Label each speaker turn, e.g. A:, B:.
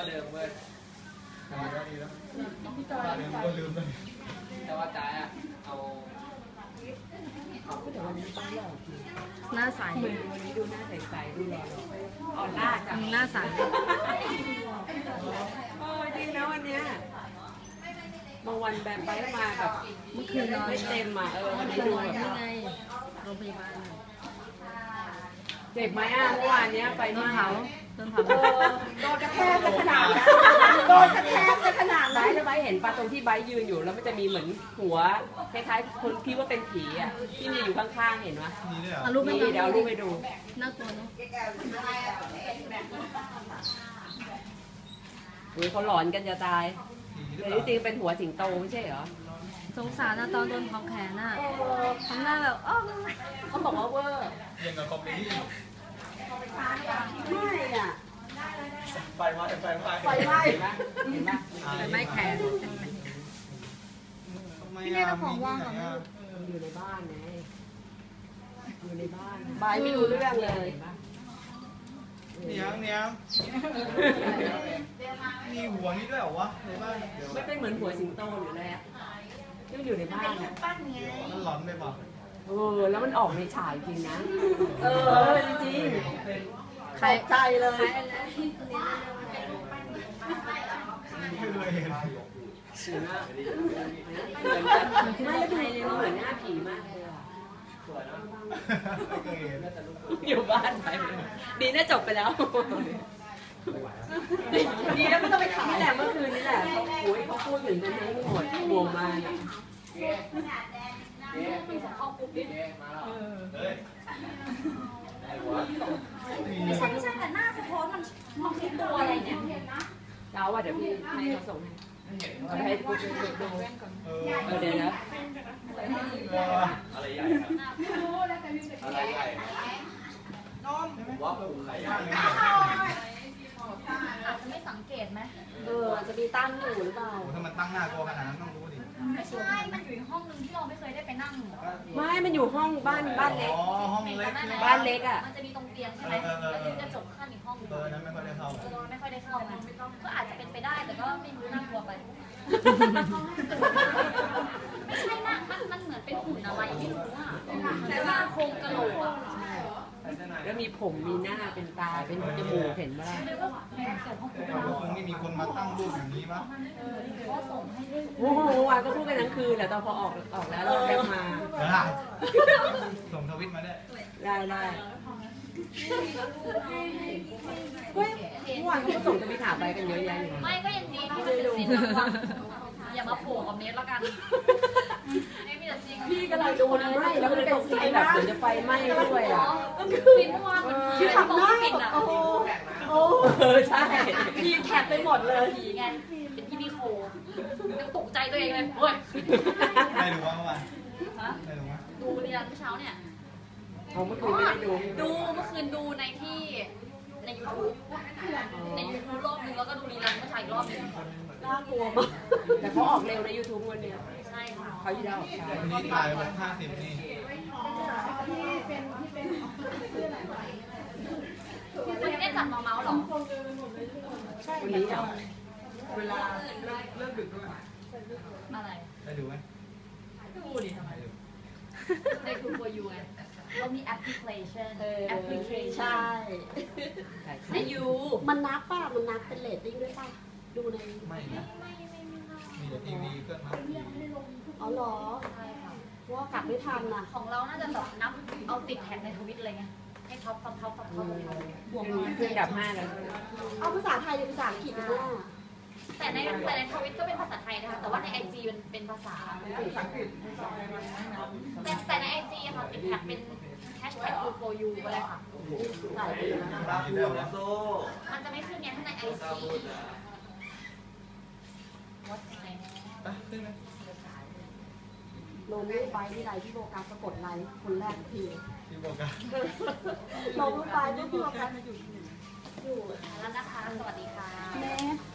A: เดิมเว้ย
B: ดีแล้วเดิมก็ลืมเลย
A: แต่ว่าจ่ายอ่ะเอา
C: หน้าใส
D: วันนี้ดูหน้าใสๆดูหล่อๆอ่อนล่าจัง
C: หน้าใส
D: จริงนะวันเนี้ยบางวันแบบไปมาแบบ
C: เมื่อคืนนอน
D: ไม่เต็มอ่ะวันนี้ดูแบบ
C: นี่ไงโรงพยาบาล
D: เจ็บไหมอ่ะเมื่อวานเนี้ยไป
C: ต้นเผา
D: โดนกระแทกขนาดนั้นโดนกระแทกขนาดไหนแล้วไบเห็นปะตรงที่ไบยืนอยู่แล้วมันจะมีเหมือนหัวคล้ายๆคนคิดว่าเป็นผีอ่ะที่มีอยู่ข้างๆเห็นไหม
C: เอารูปไปดู
D: เดี๋ยวรูปไปดู
C: น่ากลัวเนาะ
D: เขาหลอนกันจะตายแต่จริงๆเป็นหัวสิงโตไม่ใช่เหรอ
C: สงสารนะตอนโดนเผาแขนน่ะทำหน้าแบบอ้อ
D: เขาบอกว่าเวอร์
B: ยังกับคอมเมดี้
D: ไม่อ่ะ
B: ไฟไหม้
D: เห็นปะ
C: ไม่แขน
B: พี่เน่เราของว่างเหรอ
D: อยู่ในบ้านไงอยู่ในบ้านบายไม่รู้เรื่องเลย
B: เนียงมีหัวนี่ด้วยเหรอวะในบ้าน
D: ไม่เป็นเหมือนหัวสิงโตหรืออะไรอ่ะที่มันอยู่ในบ้านอ่ะ
B: มันหลอนไปป่ะ
D: แล้วมันออกในฉายจริงนะจริง
C: ใคร
D: ใจเลย
B: ไม่เคยเห็น
D: เหมือนไม่ได้เลยเหมือนหน้าผีมากเลยอ่ะอยู่บ้านไปดีน่าจบไปแล้วดีแล้วไม่ต้องไปถ่ายนี่แหละเมื่อคืนนี่แหละเขาพูดถึงกันทั้งหมดวงมาเนี่ย
E: ไม่ใช่แต่หน้าสะท้อนมันคือตัวอะไรเนี่ย
D: เราอ่ะเดี๋ยวพี่ให้เขาส่งให้ให้ดูเดี๋ยวนะ
A: อะไรใหญ่อะไรใหญ่ว่าผมใครใหญ่
E: อาจจะไม่สังเกตไหม
D: จะมีตั้งอยู่หรือเปล่า
B: ถ้ามันตั้งหน้าตัวขนาดนั้นต้องรู้ดิ
E: ไม่ใช่มันอยู่ห้องนึงที่เราไม่เคยได้ไปนั่ง
D: ไม่มันอยู่ห้องบ้านเล็ก
B: ห้องเล็ก
D: บ้านเล็กอ่ะ
E: มันจะมีตรงเตียงใช่ไหมแล้วมีกระจกขั้นอีกห้องนึง
B: นั้นไม่ค่อยได้เข้า
E: ไม่ค่อยได้เข้าไงก็อาจจะเป็นไปได้แต่ก็ไม่รู้น่ากลัวไปไม่ใช่นะมันเหมือนเป็นหุ่นอะไรไม่รู้อ่ะแต่ว่าโครงกระโหลกอ่ะ
D: แล้วมีผมมีหน้าเป็นตาเป็นจมูกเห็นบ้าง
B: คงไม่มีคนมาตั้งรูปอย่างนี้มั้ง
D: โอ้โหวันก็พูดกันทั้งคืนแต่ตอนพอออกแล้วเราแคปมา
B: ส่งทวิตมาได้
D: เฮ้ยวันก็ส่งทวิตหาไปกันเยอะแยะอยู่
E: ไม่ก็ยังดีที่มันเป็นซีนระอย่ามาโผล่กับเนสแล้วกัน
D: พี่กำลังดูนะไม่แล้วมันเป็นซีนแบบเหมือนจะไฟไหม้ด้วยอ่ะ
E: ฟินว่ามันคือทำหน้าปิดอ่ะ
D: ใช่
E: พีแคปไปหมดเลยผีไงเป็นพี่โคยังตกใจตัวเองเลยเฮ้ย
B: ไม่รู้ว่าเมื่อวาน
E: ดูเรียนเมื่อเช้าเนี่ย
D: เมื่อคืนไม่ได้
E: ดูเมื่อคืนดูในที่ใน YouTube รอบนึงแล้วก็ดูรีลันเมื่อเช้าอีกรอบนึง
D: น่ากลัวมากแต่เขาออกเร็วใน YouTube วันนี้
E: ใช่ค่ะ
D: เขาที่ได้ออกช้า
B: วันนี้ถ่ายวัน50นี่
E: วันนี้จัดมาเมาส์หรอ
D: วันนี้เหรอ
B: เวลาเลิกดึกด้วย
E: อะไร
B: ได้ดูไหม
E: ดูดิทำไมในคูโฟยูไงเรามีแอปพลิเคชัน
D: ใช่
E: ในยู
D: มันนับป่ะมันนับเป็นเรตติ้งด้วยป่ะดูใน
B: ไม่มีแต่ทีวีก็นับ
D: อ๋อเหรอว่ากลับไม่ทันน่ะ
E: ของเราน่าจะแบบนับเอาติดแท็กในทวิตอะไรเงี้ยให้ท็อป
D: บวกขึ้นดับ5แล้วเอาภาษาไทยหรือภาษาอังกฤษนะ
E: แต่ในทวิตก็เป็นภาษาไทยนะคะแต่ว่าใน IG มันเป็นภาษาอังกฤษแต่ใน IG อะค่ะติดแท็กเป็น#for you ก็ได้ค่ะมันจะไม่ขึ้นไงถ้าใน IG
D: ลงรูปไปที่ไรที่โบกัสกดไลค์คนแรกที
B: ที่โบกัส
D: ลงรูปไปที่โบกัส
E: อยู่แล้วนะคะสวัสดีค่ะ
D: แม่